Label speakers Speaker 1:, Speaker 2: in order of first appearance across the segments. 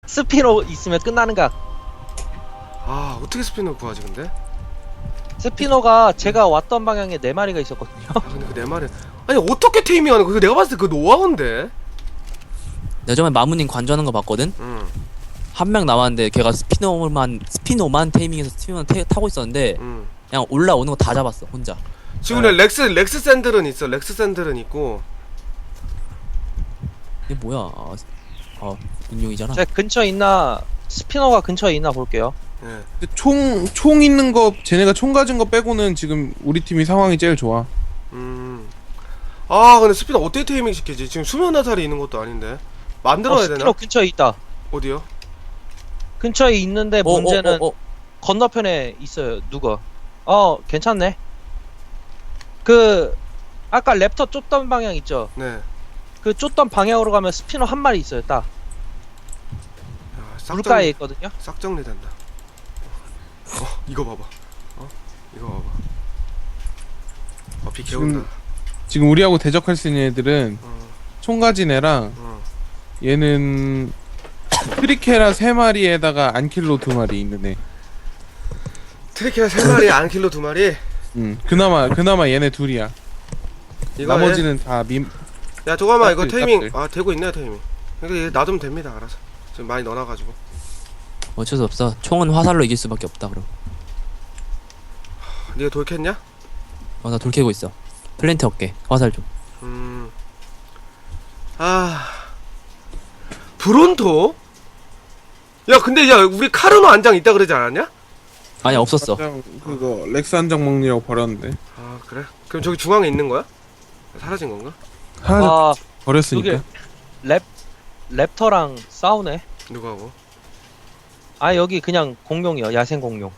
Speaker 1: 스피노 있으면 끝나는 각.
Speaker 2: 아 어떻게 스피너 구하지 근데?
Speaker 1: 스피노가 제가 왔던 방향에 4마리가 있었거든요.
Speaker 2: 아 근데 그 내 말은 아니 어떻게 테이밍하는 거? 그거 내가 봤을 때 그 노하우인데.
Speaker 3: 내가 전에 마무님 관전하는 거 봤거든?
Speaker 2: 응.
Speaker 3: 한 명 남았는데 걔가 스피노만 테이밍해서 스피노만 타고 있었는데
Speaker 2: 응.
Speaker 3: 그냥 올라오는 거 다 잡았어 혼자.
Speaker 2: 지금 렉스 샌들은 있어. 렉스 샌들은 있고.
Speaker 3: 이게 뭐야? 인용이잖아.
Speaker 1: 제 근처에 있나 스피노가 근처에 있나 볼게요.
Speaker 2: 예.
Speaker 4: 근데 총 있는 거 쟤네가 총 가진 거 빼고는 지금 우리 팀이 상황이 제일 좋아.
Speaker 2: 아 근데 스피너 어떻게 테이밍 시키지? 지금 수면 화살이 있는 것도 아닌데. 만들어야 되나?
Speaker 1: 스피노 근처에 있다.
Speaker 2: 어디요?
Speaker 1: 근처에 있는데 문제는 건너편에 있어요. 누가? 괜찮네. 그 아까 랩터 쫓던 방향 있죠?
Speaker 2: 네.
Speaker 1: 그 쫓던 방향으로 가면 스피노 한 마리 있어요. 딱
Speaker 2: 야,
Speaker 1: 물가에 있거든요.
Speaker 2: 싹 정리된다. 이거 봐봐. 이거 봐봐. 비 개운다.
Speaker 4: 지금 우리하고 대적할 수 있는 애들은
Speaker 2: 어,
Speaker 4: 총 가진 애랑
Speaker 2: 어.
Speaker 4: 얘는 트리케라 3마리에다가 안킬로 2마리 있는 애.
Speaker 2: 트리케라 3마리, 안킬로 2마리.
Speaker 4: 그나마 얘네 둘이야.
Speaker 2: 이거
Speaker 4: 나머지는 다
Speaker 2: 야 저거만 이거
Speaker 4: 짝들,
Speaker 2: 테이밍
Speaker 4: 짝들.
Speaker 2: 되고 있네 테이밍. 그러니까 얘 놔두면 됩니다. 알아서. 지금 많이 넣어놔가지고.
Speaker 3: 어쩔 수 없어. 총은 화살로 이길 수밖에 없다 그럼.
Speaker 2: 네가 돌켰냐?
Speaker 3: 나 돌 캐고 있어. 플랜트 얻게. 화살 좀.
Speaker 2: 브론토? 야 근데 야 우리 카르노 안장 있다 그러지 않았냐?
Speaker 3: 아니 없었어.
Speaker 4: 그거 렉스 한 장 먹느라고 버렸는데.
Speaker 2: 아 그래? 그럼 저기 중앙에 있는 거야? 사라진 건가?
Speaker 4: 하나
Speaker 1: 아
Speaker 4: 버렸으니까.
Speaker 1: 여기 랩터랑 싸우네.
Speaker 2: 누가고?
Speaker 1: 아 여기 그냥 공룡이요. 야생 공룡.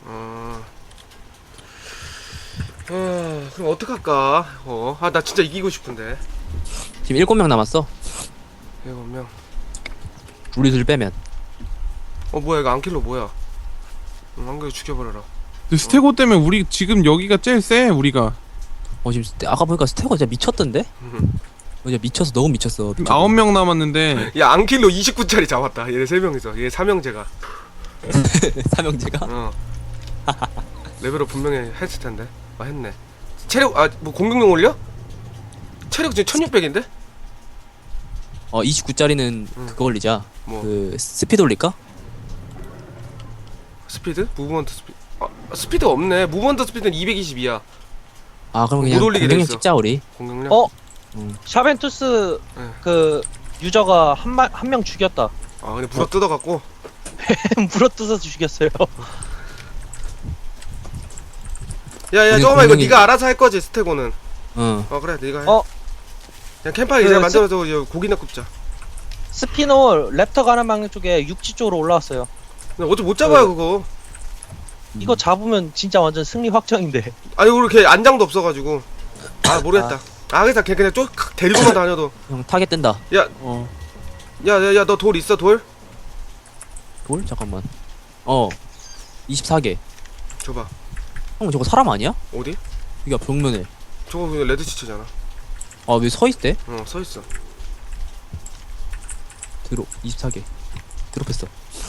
Speaker 2: 그럼 어떡할까? 나 진짜 이기고 싶은데.
Speaker 3: 지금 7명 남았어.
Speaker 2: 7명.
Speaker 3: 우리 둘 빼면.
Speaker 2: 뭐야 이거 안킬로 뭐야? 안킬로 죽여버려라.
Speaker 4: 근데 스테고 때문에 우리 지금 여기가 제일 세 우리가.
Speaker 3: 지금 아까 보니까 스테고 진짜 미쳤던데? 진짜 미쳤어. 너무 미쳤어.
Speaker 4: 지금 9명 남았는데
Speaker 2: 야 안킬로 29짜리 잡았다. 얘네 3명이서. 얘 3형제가.
Speaker 3: 삼형제가?
Speaker 2: 레벨업 분명히 했을 텐데. 했네. 체력 뭐 공격력 올려? 체력 지금 1600인데?
Speaker 3: 29짜리는 그거 올리자.
Speaker 2: 뭐
Speaker 3: 그 스피드 올릴까?
Speaker 2: 스피드? 무브먼트 스피드. 스피드 없네. 무브먼트 스피드는 222야.
Speaker 3: 그럼
Speaker 2: 못
Speaker 3: 그냥
Speaker 2: 올리게
Speaker 3: 공격력
Speaker 2: 됐어.
Speaker 3: 찍자 우리.
Speaker 2: 공격력?
Speaker 1: 샤벤투스
Speaker 2: 네.
Speaker 1: 그 유저가 한 명 죽였다.
Speaker 2: 근데 불어 뜯어갖고.
Speaker 1: 물어뜯어서 죽였어요.
Speaker 2: 야야
Speaker 3: 우리
Speaker 2: 잠깐만 이거
Speaker 3: 공룡이-
Speaker 2: 네가 알아서 할 거지 스테고는. 그래 네가 해. 그냥 캠파이 이제
Speaker 1: 그
Speaker 2: 만들어서 이제 고기나 굽자.
Speaker 1: 스피노 랩터 가는 방향 쪽에 육지 쪽으로 올라왔어요.
Speaker 2: 근데 어차피 못 잡아요 그거.
Speaker 1: 이거 잡으면 진짜 완전 승리 확정인데.
Speaker 2: 아니 우리 걔 안장도 없어가지고. 모르겠다. 그래서 걔 그냥 쭉 데리고만 다녀도.
Speaker 3: 형 타겟 뜬다.
Speaker 2: 야야야 너 돌 있어 돌?
Speaker 3: 돌? 잠깐만. 24개.
Speaker 2: 줘봐.
Speaker 3: 형 저거 사람 아니야?
Speaker 2: 어디?
Speaker 3: 이게 벽면에.
Speaker 2: 저거 그냥 레드 치트잖아.
Speaker 3: 왜 서 있대?
Speaker 2: 서 있어.
Speaker 3: 드롭 24개. 드롭했어.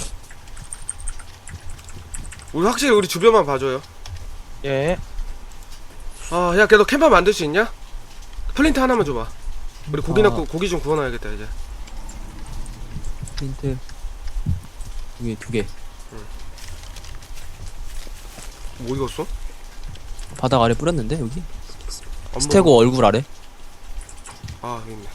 Speaker 2: 우리 확실히 우리 주변만 봐줘요.
Speaker 1: 예.
Speaker 2: 야 걔 너 캠파 만들 수 있냐? 플린트 하나만 줘봐. 우리 고기 좀 구워놔야겠다 이제.
Speaker 3: 힌트. 여기 2개.
Speaker 2: 뭐 익었어?
Speaker 3: 바닥 아래 뿌렸는데 여기?
Speaker 2: 안
Speaker 3: 스테고 얼굴 아래?
Speaker 2: 여기 있네.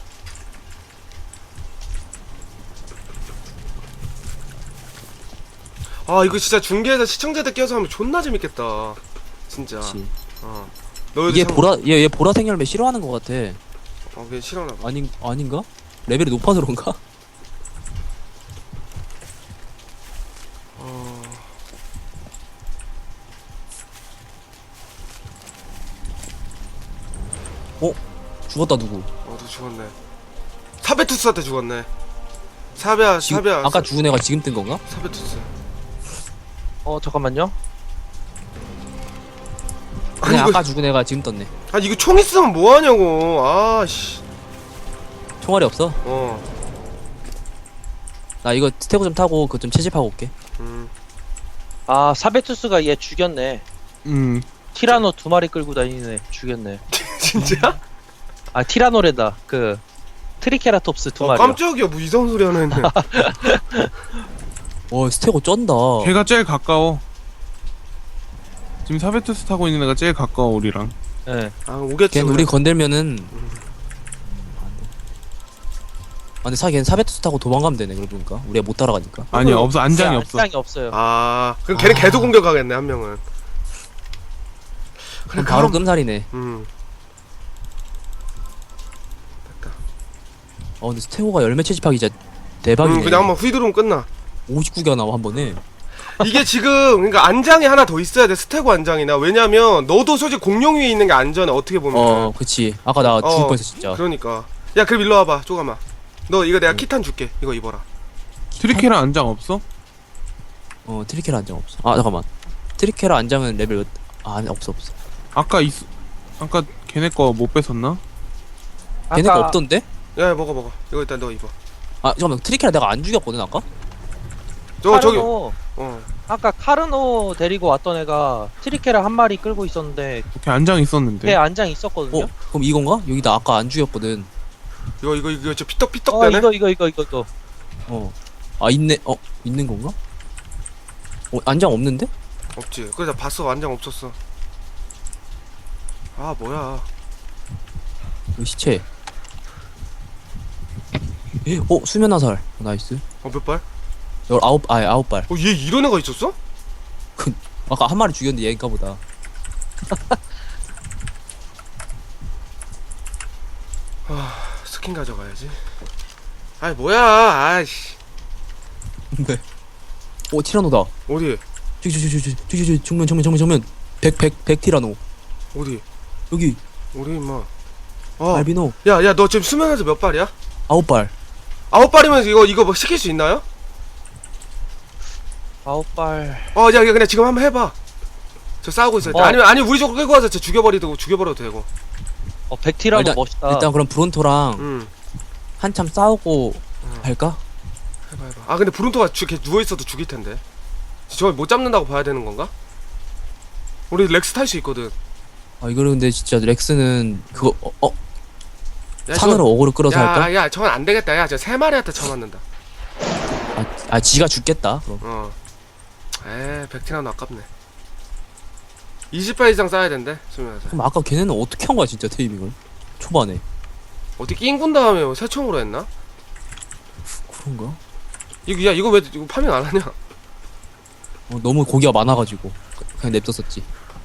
Speaker 2: 이거 진짜 중계에서 시청자들 껴서 하면 존나 재밌겠다. 진짜.
Speaker 3: 그치.
Speaker 2: 너희도
Speaker 3: 얘 보라색 열매 싫어하는 것 같아.
Speaker 2: 걔 싫어하나 봐.
Speaker 3: 아닌가? 레벨이 높아서 그런가? 죽었다 누구?
Speaker 2: 너 죽었네. 사베투스한테 죽었네. 사베야.
Speaker 3: 아까 죽은 애가 지금 뜬 건가?
Speaker 2: 사베투스.
Speaker 1: 잠깐만요.
Speaker 3: 그냥
Speaker 2: 이거-
Speaker 3: 아까 죽은 애가 지금 떴네.
Speaker 2: 이거 총 있으면 뭐하냐고. 씨.
Speaker 3: 총알이 없어? 나 이거 스테고 좀 타고 그거 좀 채집하고 올게.
Speaker 1: 아 사베투스가 얘 죽였네. 티라노 2마리 끌고 다니네. 죽였네.
Speaker 2: 진짜?
Speaker 1: 아 티라노래다. 그 트리케라톱스 2마리.
Speaker 2: 깜짝이야. 뭐 이상한 소리 하나 했네.
Speaker 3: 스테고 쩐다.
Speaker 4: 걔가 제일 가까워. 지금 사베투스 타고 있는 애가 제일 가까워 우리랑.
Speaker 1: 예.
Speaker 2: 아 오겠지.
Speaker 3: 걔 우리 건들면은 근데 걔는 사베투스 타고 도망가면 되네. 그러고 보니까 우리가 못 따라가니까.
Speaker 4: 아니야 없어 안장이
Speaker 1: 네,
Speaker 4: 없어.
Speaker 1: 안장이 없어요.
Speaker 2: 아 그럼 걔는 계속 공격하겠네 한 명은.
Speaker 3: 그럼 바로 끔살이네.
Speaker 2: 됐다.
Speaker 3: 근데 스테고가 열매 채집하기 진짜 대박이네.
Speaker 2: 그냥 한번 휘두르면 끝나.
Speaker 3: 59개가 나와 한 번에.
Speaker 2: 이게 지금 그러니까 안장이 하나 더 있어야 돼. 스테고 안장이나. 왜냐면 너도 솔직히 공룡 위에 있는 게 안전해. 어떻게 보면.
Speaker 3: 그치. 아까 나 죽을 뻔했어 진짜.
Speaker 2: 그러니까. 야 그럼 일로 와봐 쪼가마. 너 이거 내가 키탄 줄게. 이거 입어라.
Speaker 4: 트리케라 안장 없어?
Speaker 3: 트리케라 안장 없어. 잠깐만. 트리케라 안장은 레벨 몇? 없어.
Speaker 4: 아까 걔네 거 못 뺏었나?
Speaker 3: 걔네 거
Speaker 1: 아까-
Speaker 3: 없던데?
Speaker 2: 야 먹어. 이거 일단 너 입어.
Speaker 3: 잠깐만. 트리케라 내가 안 죽였거든 아까?
Speaker 2: 저기.
Speaker 1: 카르노, 아까 카르노 데리고 왔던 애가 트리케라 1마리 끌고 있었는데
Speaker 4: 걔 안장 있었는데.
Speaker 1: 걔 안장 있었거든요.
Speaker 3: 그럼 이건가? 여기 나 아까 안 죽였거든.
Speaker 2: 이거 저 피떡피떡 되네.
Speaker 1: 이거.
Speaker 3: 있네. 있는 건가? 안장 없는데?
Speaker 2: 없지. 그래서 봤어. 안장 없었어. 아 뭐야.
Speaker 3: 여기 시체. 수면 화살. 나이스.
Speaker 2: 몇 발?
Speaker 3: 9발.
Speaker 2: 얘 이런 애가 있었어?
Speaker 3: 아까 한 마리 죽였는데 얘인가 보다.
Speaker 2: 스킨 가져가야지. 아이 뭐야. 아이씨.
Speaker 3: 네. 티라노다.
Speaker 2: 어디?
Speaker 3: 저기 정면. 100 티라노.
Speaker 2: 어디?
Speaker 3: 여기
Speaker 2: 우리 임마.
Speaker 3: 알비노.
Speaker 2: 야 너 지금 수면에서 몇 발이야?
Speaker 3: 9발.
Speaker 2: 9발이면 이거 뭐 시킬 수 있나요?
Speaker 1: 9발.
Speaker 2: 야 그냥 지금 한번 해봐. 저 싸우고 있을 때. 아니면 우리 쪽으로 끌고 와서 저 죽여버려도 되고.
Speaker 1: 100티라노 멋있다.
Speaker 3: 일단 그럼 브론토랑 한참 싸우고 할까?
Speaker 2: 해봐. 근데 브룬토가 걔 누워있어도 죽일 텐데. 저걸 못 잡는다고 봐야 되는 건가? 우리 렉스 탈 수 있거든.
Speaker 3: 이거는 근데 진짜 렉스는 그거
Speaker 2: 야,
Speaker 3: 산으로 어그로 끌어서 할까?
Speaker 2: 야 저건 안 되겠다. 야 저 3마리한테 쳐맞는다.
Speaker 3: 지가 죽겠다. 그럼.
Speaker 2: 백티라노 아깝네. 20발 이상 쌓아야 된대. 수면에서.
Speaker 3: 그럼 아까 걔네는 어떻게 한 거야 진짜 테이밍을? 초반에.
Speaker 2: 어떻게 낑군 다음에 새총으로 했나?
Speaker 3: 그런가?
Speaker 2: 이거 왜 파밍 안 하냐?
Speaker 3: 너무 고기가 많아가지고 그냥 냅뒀었지.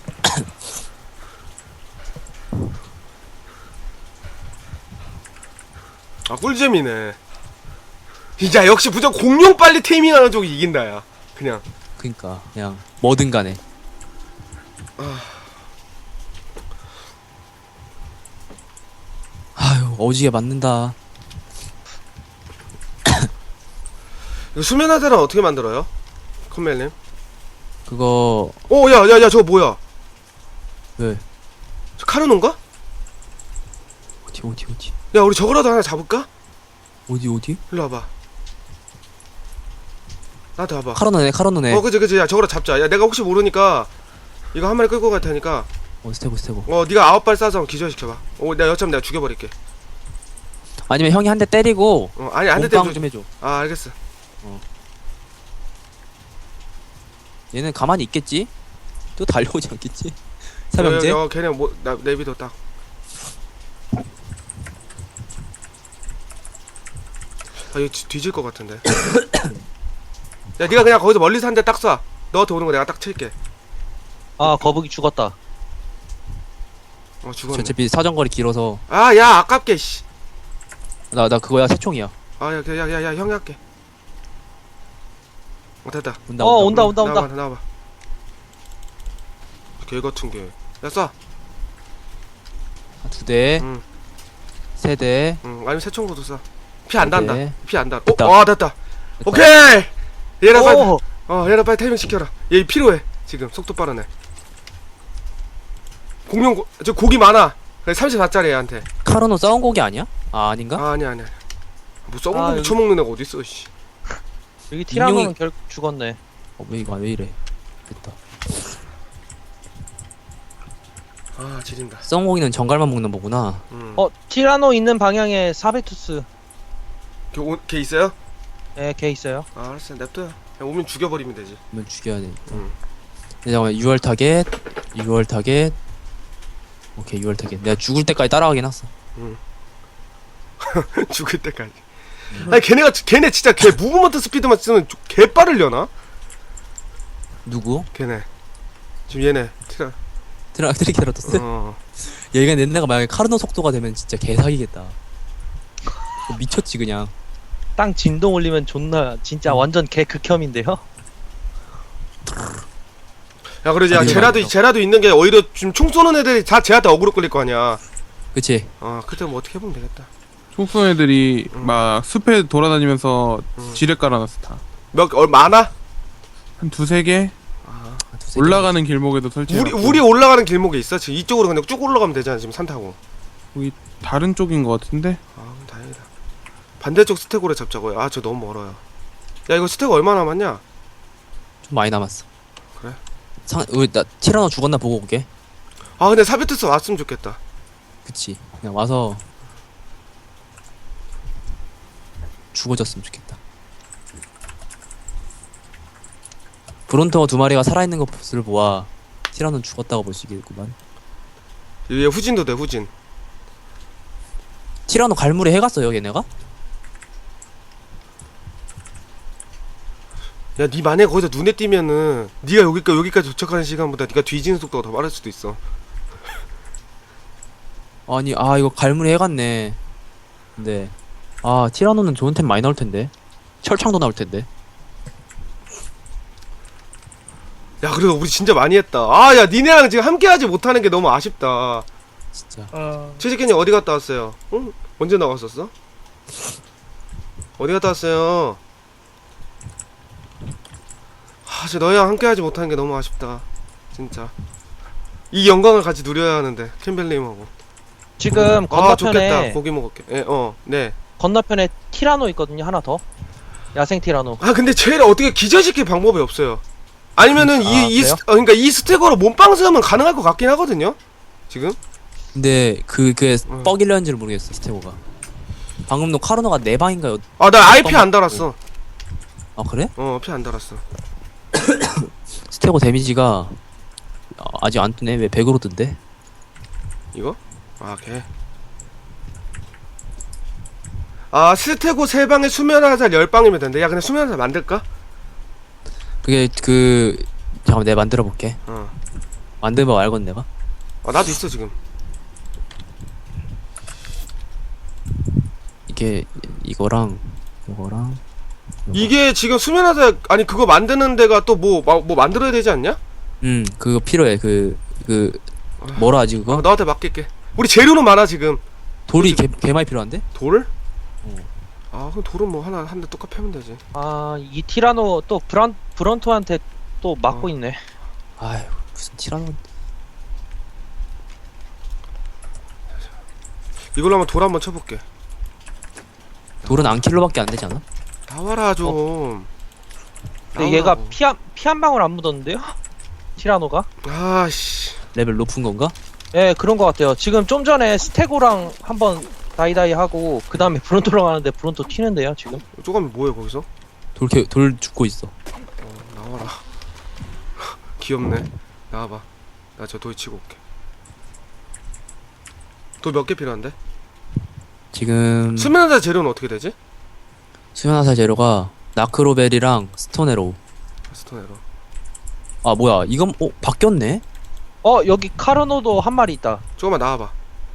Speaker 2: 꿀잼이네. 야 역시 무조건 공룡 빨리 테이밍하는 쪽이 이긴다 야. 그냥.
Speaker 3: 그니까 그냥 뭐든 간에. 어지게 맞는다.
Speaker 2: 이거 수면 화살은 어떻게 만들어요? 컴멜님?
Speaker 3: 그거
Speaker 2: 야 저거 뭐야?
Speaker 3: 왜?
Speaker 2: 저 카르노인가?
Speaker 3: 어디?
Speaker 2: 야 우리 저거라도 하나 잡을까?
Speaker 3: 어디?
Speaker 2: 일로 와봐. 나한테 와봐.
Speaker 3: 카로노네.
Speaker 2: 그치. 야 저거라 잡자. 야 내가 혹시 모르니까 이거 한 마리 끌고 갈 테니까.
Speaker 3: 스테고.
Speaker 2: 네가 9발 쏴서 한번 기절시켜봐. 내가 여차하면 내가 죽여버릴게.
Speaker 3: 아니면 형이 한 대 때리고.
Speaker 2: 아니 안 돼.
Speaker 3: 몸빵 좀 해줘.
Speaker 2: 알겠어.
Speaker 3: 얘는 가만히 있겠지? 또 달려오지 않겠지? 삼형제?
Speaker 2: 걔네 나 내비도 딱. 이거 뒤질 것 같은데. 야 네가 그냥 거기서 멀리서 한 대 딱 쏴. 너한테 오는 거 내가 딱 칠게.
Speaker 1: 거북이 죽었다.
Speaker 2: 죽었네.
Speaker 3: 어차피 사정거리 길어서.
Speaker 2: 야 아깝게 씨.
Speaker 3: 나 그거야 새총이야.
Speaker 2: 야 형이 할게. 됐다.
Speaker 1: 온다.
Speaker 2: 나와봐. 개 같은 게. 야 쏴.
Speaker 3: 2대. 3대.
Speaker 2: 아니면 새총으로도 쏴. 피 안 단다.
Speaker 3: 네.
Speaker 2: 피 안 단.
Speaker 3: 됐다.
Speaker 2: 됐다. 오케이. 얘랑 빨리. 얘랑 빨리 타이밍 시켜라. 얘 필요해. 지금 속도 빠르네. 공룡 저 고기 많아. 34짜리 얘한테.
Speaker 3: 카로노 싸운 곡이 아니야? 아닌가?
Speaker 2: 아니야. 뭐 썩은 고기 쳐먹는 애가 어딨어 씨.
Speaker 1: 여기 티라노는
Speaker 3: 인형이-
Speaker 1: 결국 죽었네.
Speaker 3: 왜 이거 왜 이래? 됐다.
Speaker 2: 아 지린다.
Speaker 3: 썩고기는 정갈만 먹는 거구나.
Speaker 1: 티라노 있는 방향에 사베투스.
Speaker 2: 걔 있어요?
Speaker 1: 예, 걔 있어요.
Speaker 2: 아 알았어 냅둬요. 그냥 오면 죽여버리면 되지.
Speaker 3: 그러면 죽여야 돼.
Speaker 2: 응.
Speaker 3: 잠깐만 6월 타겟. 6월 타겟. 오케이 6월 타겟. 내가 죽을 때까지 따라가긴 했어.
Speaker 2: 죽을 때까지. 아니 걔네 진짜 걔 무브먼트 스피드만 쓰면 개 빠르려나?
Speaker 3: 누구?
Speaker 2: 걔네. 지금 얘네
Speaker 3: 트리케라토스? 얘가 내가 만약에 카르노 속도가 되면 진짜 개사기겠다. 미쳤지 그냥.
Speaker 1: 땅 진동 올리면 존나 진짜 완전 개 극혐인데요.
Speaker 2: 야 그러지. 야
Speaker 3: 아니,
Speaker 2: 제라도 있는 게 오히려 지금 총 쏘는 애들이 다 쟤한테 어그로 끌릴 거 아니야.
Speaker 3: 그치?
Speaker 2: 그때 뭐 어떻게 해보면 되겠다.
Speaker 4: 총쏜 애들이 막 숲에 돌아다니면서 지뢰 깔아놨어 다.
Speaker 2: 많아?
Speaker 4: 한 두세 개?
Speaker 3: 두세 개.
Speaker 4: 올라가는 길목에도 설치해놨고.
Speaker 2: 우리 올라가는 길목에 있어? 지금 이쪽으로 그냥 쭉 올라가면 되잖아 지금 산 타고.
Speaker 4: 거기 다른 쪽인 것 같은데?
Speaker 2: 그럼 다행이다. 반대쪽 스테고를 잡자고요. 저 너무 멀어요. 야 이거 스테고 얼마 남았냐?
Speaker 3: 좀 많이 남았어.
Speaker 2: 그래?
Speaker 3: 우리 나 티라노 죽었나 보고 올게.
Speaker 2: 근데 사베투스 왔으면 좋겠다.
Speaker 3: 그치. 그냥 와서 죽어졌으면 좋겠다. 브론토 두 마리가 살아있는 것을 보아 티라노는 죽었다고 볼 수 있겠구만.
Speaker 2: 얘 후진도 돼 후진.
Speaker 3: 티라노 갈무리 해갔어요 얘네가?
Speaker 2: 야, 니 만약에 거기서 눈에 띄면은 니가 여기까지 도착하는 시간보다 니가 뒤지는 속도가 더 빠를 수도 있어.
Speaker 3: 아니 이거 갈무리 해갔네. 근데 티라노는 좋은 템 많이 나올 텐데. 철창도 나올 텐데.
Speaker 2: 야, 그래도 우리 진짜 많이 했다. 야, 니네랑 지금 함께하지 못하는 게 너무 아쉽다.
Speaker 3: 진짜.
Speaker 2: 최지ken님 어디 갔다 왔어요? 응? 언제 나갔었어? 어디 갔다 왔어요? 진짜 너희랑 함께하지 못하는 게 너무 아쉽다. 진짜. 이 영광을 같이 누려야 하는데 캠벨님하고.
Speaker 1: 지금
Speaker 2: 좋겠다.
Speaker 1: 건너편에
Speaker 2: 고기 먹을게. 네.
Speaker 1: 건너편에 티라노 있거든요. 하나 더. 야생 티라노.
Speaker 2: 근데 쟤를 어떻게 기절시킬 방법이 없어요. 아니면은
Speaker 1: 그래요?
Speaker 2: 그러니까 이 스택으로 몸빵스하면 가능할 것 같긴 하거든요. 지금.
Speaker 3: 근데 그게 뻑일려는지를 모르겠어 스테고가. 방금도 카르노가 네 방인가요?
Speaker 2: 나 IP 안 달았어.
Speaker 3: 그래?
Speaker 2: 피 안 달았어.
Speaker 3: 스테고 데미지가 아직 안 뜨네. 왜 100으로 뜬대?
Speaker 2: 이거? 걔. 스테고 3방에 수면화살 10방이면 된대. 야, 그냥 수면화살 만들까?
Speaker 3: 그게 잠깐만 내가 만들어 볼게. 만들면 알건 내가.
Speaker 2: 나도 있어 지금.
Speaker 3: 이게 이거랑
Speaker 2: 이게 지금 수면화살 그거 만드는 데가 또 뭐 만들어야 되지 않냐?
Speaker 3: 그거 필요해. 뭐라 하지 그거?
Speaker 2: 너한테 맡길게. 우리 재료는 많아 지금.
Speaker 3: 돌이 개 많이 필요한데?
Speaker 2: 돌? 그럼 돌은 뭐 한 대 똑같이 패면 되지.
Speaker 1: 이 티라노 또 브런토한테 또 맞고 있네.
Speaker 3: 아유 무슨 티라노.
Speaker 2: 이걸로 한번 돌 한번 쳐볼게.
Speaker 3: 돌은 안킬로밖에 안 되지 않아?
Speaker 2: 나와라 좀.
Speaker 1: 근데 얘가 피 한 방울 안 묻었는데요? 티라노가?
Speaker 2: 아씨.
Speaker 3: 레벨 높은 건가?
Speaker 1: 예, 그런 것 같아요. 지금 좀 전에 스테고랑 한번 다이다이 하고 그 다음에 브론토랑 하는데 브론토 튀는데요 지금.
Speaker 2: 쪼가면 뭐해 거기서?
Speaker 3: 돌 죽고 있어.
Speaker 2: 나와라. 귀엽네. 나와봐. 나 저 돌 치고 올게. 돌 몇 개 필요한데?
Speaker 3: 지금
Speaker 2: 수면화살 재료는 어떻게 되지?
Speaker 3: 수면화살 재료가 나크로벨이랑 스톤에로우.
Speaker 2: 스톤에로.
Speaker 3: 뭐야 이건 바뀌었네?
Speaker 1: 여기 카르노도 한 마리 있다.
Speaker 2: 조금만 나와봐.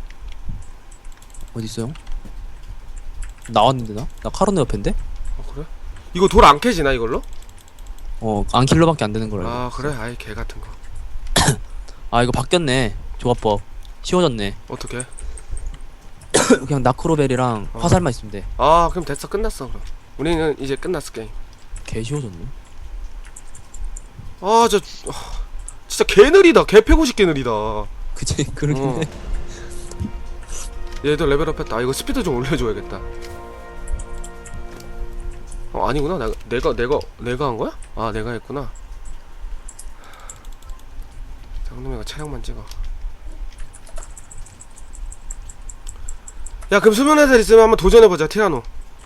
Speaker 3: 어딨어요? 나왔는데 나 카르노 옆인데?
Speaker 2: 그래? 이거 돌 안 캐지나 이걸로?
Speaker 3: 안킬로밖에 안 되는 거라.
Speaker 2: 그래? 아이 개 같은 거.
Speaker 3: 이거 바뀌었네. 조합법 쉬워졌네.
Speaker 2: 어떻게?
Speaker 3: 그냥 나크로벨이랑 화살만 있으면 돼.
Speaker 2: 그럼 됐어. 끝났어 그럼. 우리는 이제 끝났어 게임.
Speaker 3: 개 쉬워졌네.
Speaker 2: 진짜 개 느리다. 개 패고 싶게 느리다.
Speaker 3: 그치 그러긴 해.
Speaker 2: 얘도 레벨업 했다. 이거 스피드 좀 올려줘야겠다. 아니구나. 내가 한 거야? 아, 내가 했구나. 장놈이가 차량만 찍어. 야, 그럼 수면 화살 있으면 한번 도전해보자, 티라노.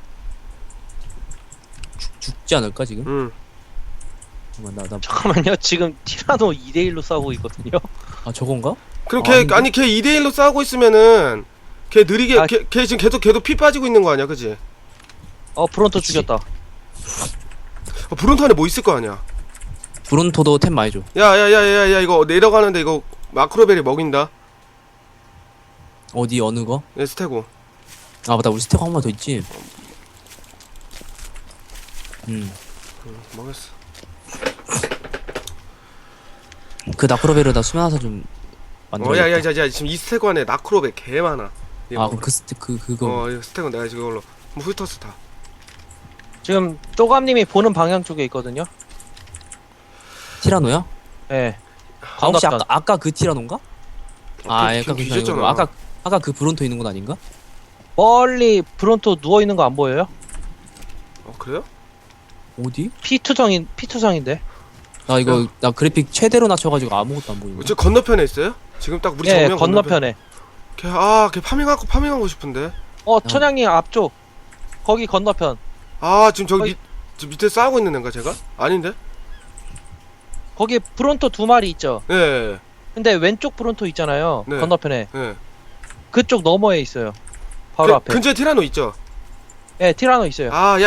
Speaker 3: 죽지 않을까 지금?
Speaker 2: 응.
Speaker 3: 잠깐만 나
Speaker 1: 잠깐만요. 지금 티라노 2대1로 싸우고 있거든요.
Speaker 3: 아 저건가?
Speaker 2: 그럼
Speaker 3: 아,
Speaker 2: 걔,
Speaker 3: 근데-
Speaker 2: 아니, 걔 2대1로 싸우고 있으면은, 걔 느리게,
Speaker 1: 아.
Speaker 2: 걔 지금 걔도 피 빠지고 있는 거 아니야, 그지?
Speaker 1: 브론토
Speaker 3: 그치.
Speaker 1: 죽였다.
Speaker 2: 브론토 안에 뭐 있을 거 아니야?
Speaker 3: 브론토도 템 많이 줘.
Speaker 2: 야, 이거 내려가는데 이거 마크로벨이 먹인다.
Speaker 3: 어디 어느 거?
Speaker 2: 얘 스테고.
Speaker 3: 아 맞다 우리 스테고 한 번 더 있지.
Speaker 2: 먹였어.
Speaker 3: 그 나크로베르다 수면화사 좀 만들어.
Speaker 2: 야, 지금 이 스테고 안에 나크로벨 개 많아.
Speaker 3: 아 그럼 그거
Speaker 2: 이거 스테고 내가 지금 이걸로 뭐 훑었어 다.
Speaker 1: 지금 쪼감님이 보는 방향 쪽에 있거든요.
Speaker 3: 티라노야?
Speaker 1: 예.
Speaker 3: 아 혹시
Speaker 1: 건너편.
Speaker 3: 아까 그 티라노인가? 아
Speaker 2: 걔
Speaker 3: 약간
Speaker 2: 뒤졌잖아.
Speaker 3: 아까 그 브론토 있는 건 아닌가?
Speaker 1: 멀리 브론토 누워 있는 거 안 보여요?
Speaker 2: 그래요?
Speaker 3: 어디?
Speaker 1: 피투성인데.
Speaker 3: 나 이거 나 그래픽 최대로 낮춰가지고 아무것도 안 보이네.
Speaker 2: 저 건너편에 있어요? 지금 딱 우리
Speaker 1: 예,
Speaker 2: 정면
Speaker 1: 건너편에.
Speaker 2: 걔 파밍하고 싶은데.
Speaker 1: 천양님 앞쪽. 거기 건너편.
Speaker 2: 지금 저기
Speaker 1: 거기-
Speaker 2: 저 밑에 싸우고 있는 애인가 제가? 아닌데?
Speaker 1: 거기 브론토 2마리 있죠.
Speaker 2: 예.
Speaker 1: 근데 왼쪽 브론토 있잖아요.
Speaker 2: 네.
Speaker 1: 건너편에.
Speaker 2: 예.
Speaker 1: 그쪽 너머에 있어요. 바로 앞에.
Speaker 2: 근처에 티라노 있죠?
Speaker 1: 예, 티라노 있어요.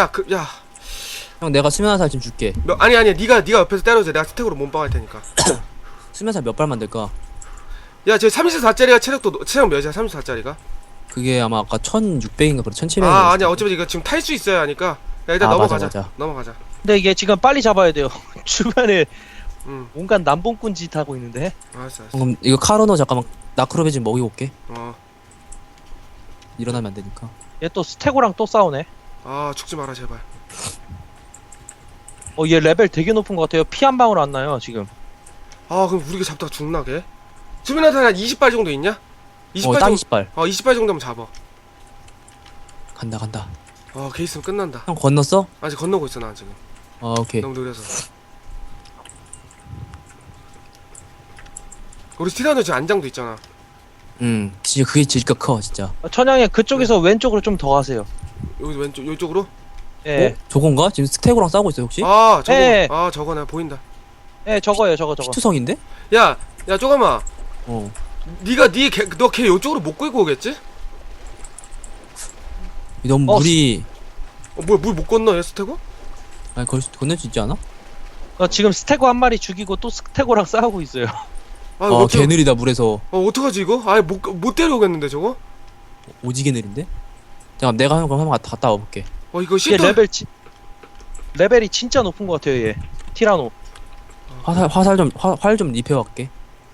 Speaker 3: 형 내가 수면화살 좀 줄게.
Speaker 2: 아니야. 네가 옆에서 때려줘. 내가 스택으로 몸빵할 테니까.
Speaker 3: 수면화살 몇 발 만들까?
Speaker 2: 야, 저 34짜리가 체력 몇이야? 34짜리가?
Speaker 3: 그게 아마 아까 1600인가 그래 1700.
Speaker 2: 아니야. 어차피 이거 지금 탈 수 있어야 하니까. 야, 일단
Speaker 3: 아,
Speaker 2: 넘어가자.
Speaker 3: 맞아.
Speaker 2: 넘어가자.
Speaker 1: 근데 이게 지금 빨리 잡아야 돼요. 주변에
Speaker 2: 응.
Speaker 1: 온갖 남봉꾼 짓 하고 있는데.
Speaker 2: 알았어.
Speaker 3: 그럼 이거 카르노 잠깐만 나크로베 좀 먹이고 올게. 일어나면 안 되니까.
Speaker 1: 얘 또 스테고랑 또 싸우네.
Speaker 2: 죽지 마라 제발.
Speaker 1: 얘 레벨 되게 높은 것 같아요. 피 한 방울 안 나요, 지금.
Speaker 2: 그럼 우리가 잡다가 죽나 걔? 수면화살 한 20발 정도 있냐? 20발
Speaker 3: 딱
Speaker 2: 정도.
Speaker 3: 20발.
Speaker 2: 20발 정도면 잡아.
Speaker 3: 간다.
Speaker 2: 걔 있으면 끝난다.
Speaker 3: 형 건넜어?
Speaker 2: 아직 건너고 있어 나 지금.
Speaker 3: 오케이.
Speaker 2: 너무 느려서. 우리 티라노 지금 안장도 있잖아.
Speaker 3: 진짜 그게 진짜 커 진짜.
Speaker 1: 천양이 그쪽에서 왼쪽으로 좀 더 가세요.
Speaker 2: 여기 왼쪽 이쪽으로?
Speaker 1: 예.
Speaker 3: 저건가? 지금 스테고랑 싸우고 있어 혹시?
Speaker 2: 저거.
Speaker 1: 예.
Speaker 2: 저거 나 보인다.
Speaker 1: 예, 저거예요, 저거.
Speaker 3: 피투성인데?
Speaker 2: 야, 쪼가마.
Speaker 3: 어.
Speaker 2: 너 걔 이쪽으로 못 끌고 오겠지?
Speaker 3: 너무 물이
Speaker 2: 뭐야 물 못 건너 얘 스테고?
Speaker 3: 아니 건널 수 있지 않아?
Speaker 1: 지금 스테고 한 마리 죽이고 또 스테고랑 싸우고 있어요.
Speaker 3: 개 느리다 물에서.
Speaker 2: 어떡하지 이거? 못 데려오겠는데 저거?
Speaker 3: 오지게 느린데? 잠깐 내가 형 그럼 한번 갔다 와볼게.
Speaker 2: 이거
Speaker 1: 얘
Speaker 2: 시도.
Speaker 1: 레벨이 진짜 높은 것 같아요, 얘. 티라노.
Speaker 3: 활 좀 입혀갈게.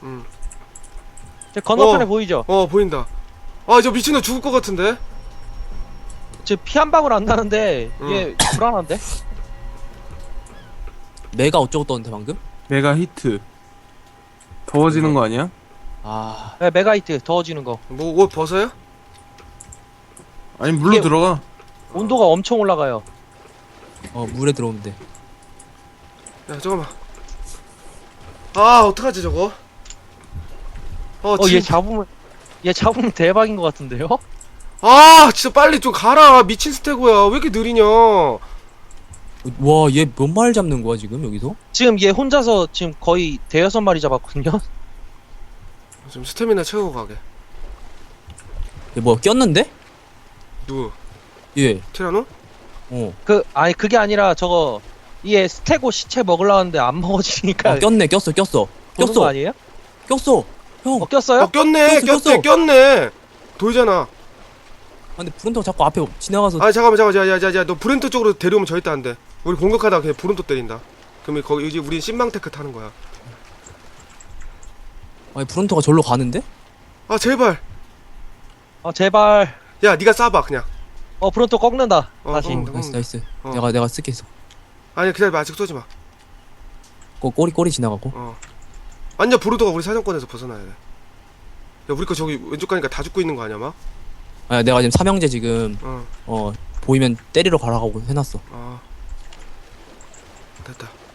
Speaker 1: 저 건너편에 보이죠?
Speaker 2: 보인다. 저 미친놈 죽을 것 같은데?
Speaker 1: 지금 피 한 방울 안 나는데 얘 불안한데?
Speaker 3: 내가 어쩌고 떴는데 방금?
Speaker 4: 메가 히트. 더워지는 거 아니야?
Speaker 3: 아
Speaker 1: 네, 메가히트 더워지는 거.
Speaker 2: 뭐 옷 벗어요?
Speaker 4: 아니 물로
Speaker 1: 이게-
Speaker 4: 들어가.
Speaker 1: 온도가 엄청 올라가요.
Speaker 3: 물에 들어오면 돼.
Speaker 2: 야 잠깐만. 어떡하지 저거?
Speaker 1: 얘 잡으면 대박인 것 같은데요?
Speaker 2: 진짜 빨리 좀 가라. 미친 스테고야. 왜 이렇게 느리냐?
Speaker 3: 와 얘 몇 마리 잡는 거야 지금 여기서?
Speaker 1: 지금 얘 혼자서 지금 거의 대여섯 마리 잡았거든요?
Speaker 2: 좀 스태미나 채우고 가게.
Speaker 3: 얘 뭐야 꼈는데?
Speaker 2: 누구?
Speaker 3: 얘.
Speaker 2: 티라노?
Speaker 1: 그게 아니라 얘 스테고 시체 먹으려고 하는데 안 먹어지니까.
Speaker 3: 꼈어.
Speaker 1: 보는 거 아니에요?
Speaker 3: 꼈어. 형.
Speaker 1: 꼈어요?
Speaker 2: 꼈네.
Speaker 3: 꼈어.
Speaker 2: 꼈네. 돌잖아.
Speaker 3: 근데 브론토가 자꾸 앞에 지나가서.
Speaker 2: 잠깐만. 야, 너 브렌토 쪽으로 데려오면 절대 안 돼. 우리 공격하다가 그냥 브론토 때린다. 그러면 거기 이제 우린 신망테크 타는 거야.
Speaker 3: 아니 브론토가 절로 가는데?
Speaker 2: 제발.
Speaker 1: 제발.
Speaker 2: 야, 네가 쏴봐 그냥.
Speaker 1: 브론토 꺾는다. 다시.
Speaker 2: 꺾는다.
Speaker 3: 나이스.
Speaker 2: 어.
Speaker 3: 내가 쓸게 있어.
Speaker 2: 아니 기다려봐. 아직 쏘지 마.
Speaker 3: 꼬리 지나가고.
Speaker 2: 완전 브론토가 우리 사정권에서 벗어나야 돼. 야, 우리 거 저기 왼쪽 가니까 다 죽고 있는 거 아니야 막?
Speaker 3: 내가 지금 삼형제 지금 보이면 때리러 가라고 해놨어.
Speaker 2: 됐다.